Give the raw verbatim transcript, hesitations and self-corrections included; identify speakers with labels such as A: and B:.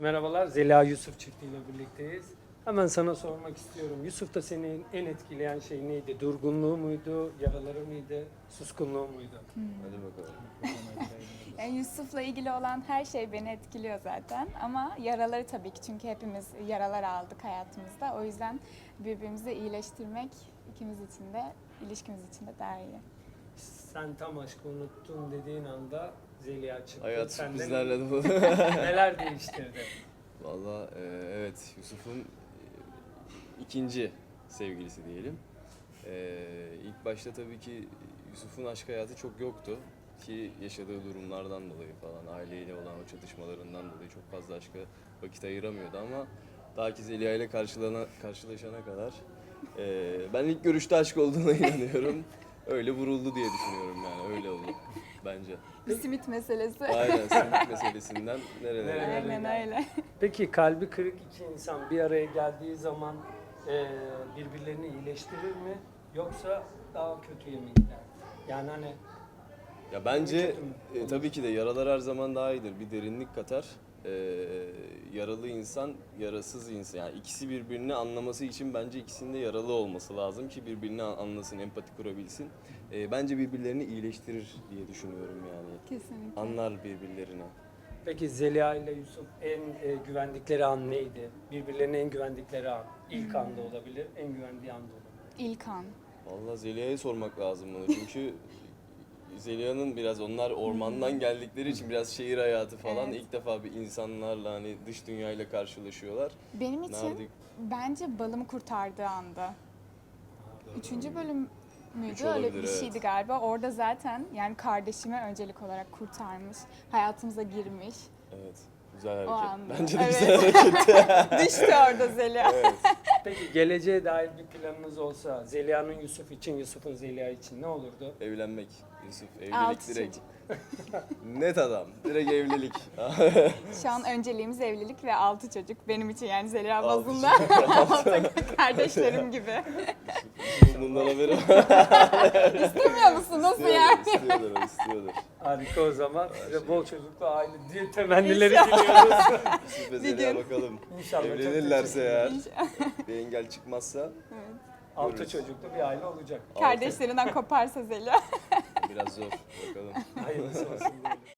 A: Merhabalar, Zeliha Yusuf çiftiyle birlikteyiz. Hemen sana sormak istiyorum. Yusuf'ta seni en etkileyen şey neydi? Durgunluğu muydu, yaraları mıydı, suskunluğu muydu?
B: Hadi bakalım.
C: Yani Yusuf'la ilgili olan her şey beni etkiliyor zaten ama yaraları tabii ki, çünkü hepimiz yaralar aldık hayatımızda. O yüzden birbirimizi iyileştirmek ikimiz için de, ilişkimiz için de daha iyi.
A: Sen tam aşkı unuttun dediğin anda Zeliha çıktı.
B: Hayat
A: Senden
B: sürprizlerle dolu.
A: neler değiştirdi?
B: Valla e, evet Yusuf'un e, ikinci sevgilisi diyelim. E, ilk başta tabii ki Yusuf'un aşk hayatı çok yoktu. Ki yaşadığı durumlardan dolayı falan, aileyle olan o çatışmalarından dolayı çok fazla aşka vakit ayıramıyordu ama ta ki Zeliha ile karşılana, karşılaşana kadar e, ben ilk görüşte aşk olduğuna inanıyorum. Öyle vuruldu diye düşünüyorum yani, öyle oldu bence.
C: Bir simit meselesi.
B: Aynen, simit meselesinden nerelere
A: Nerelere
B: geldik.
C: Aynen öyle.
A: Peki kalbi kırık iki insan bir araya geldiği zaman e, birbirlerini iyileştirir mi? Yoksa daha kötüye mi gider? Yani hani
B: Ya bence
A: Kötü mü?
B: e, tabii ki de yaralar her zaman daha iyidir. Bir derinlik katar. E, yaralı insan, yarasız insan. Yani ikisi birbirini anlaması için bence ikisinin de yaralı olması lazım ki birbirini an- anlasın, empati kurabilsin. E, bence birbirlerini iyileştirir diye düşünüyorum yani.
C: Kesinlikle.
B: Anlar birbirlerini.
A: peki Zeliha ile Yusuf en e, güvendikleri an neydi? Birbirlerine en güvendikleri an. İlk anda olabilir, en güvendiği anda olabilir.
C: İlk an.
B: Vallahi Zeliha'ya sormak lazım bunu çünkü Zeliha'nın biraz onlar ormandan geldikleri için biraz şehir hayatı falan
C: Evet.
B: ilk defa bir insanlarla hani dış dünyayla karşılaşıyorlar.
C: Benim için
B: Nerede?
C: bence balımı kurtardığı anda. Üçüncü bölüm müydü?
B: Üç
C: Öyle
B: olabilir,
C: bir şeydi
B: evet.
C: galiba. Orada zaten yani kardeşimi öncelik olarak kurtarmış. Hayatımıza girmiş.
B: Evet. Güzel
C: O
B: hareket.
C: anda.
B: Bence de
C: Evet.
B: güzel hareketti.
C: Düştü orada Zeliha.
B: Evet.
A: Peki geleceğe dair bir planınız olsa Zeliha'nın Yusuf için, Yusuf'un Zeliha için ne olurdu?
B: Evlenmek. Yusuf evlilik
C: Altı
B: direkt.
C: çocuk.
B: Net adam. Direkt evlilik.
C: Şu an önceliğimiz evlilik ve altı çocuk. Benim için yani Zeliha
B: Altı
C: bazında. Kardeşlerim gibi.
B: Bundan haberi var.
C: İstemiyor musun? Nasıl yani?
B: İstiyordur, o istiyordur.
A: Harika o zaman.
B: Her
A: Size
B: şey.
A: bol çocuklu aile diye temennileri
C: İnşallah.
A: diliyoruz.
B: Yusuf ve
C: Bir
B: Zeliha
C: gün.
B: bakalım.
A: İnşallah. çok
B: Evlenirlerse
A: teşekkür
B: eğer,
C: İnşallah.
B: bir engel çıkmazsa
C: Evet.
A: Altı
B: görürüz.
A: çocuklu bir aile olacak.
C: Kardeşlerinden koparsa Zeliha.
B: Biraz zor. Bakalım.
A: Hayırlısı olsun diyelim.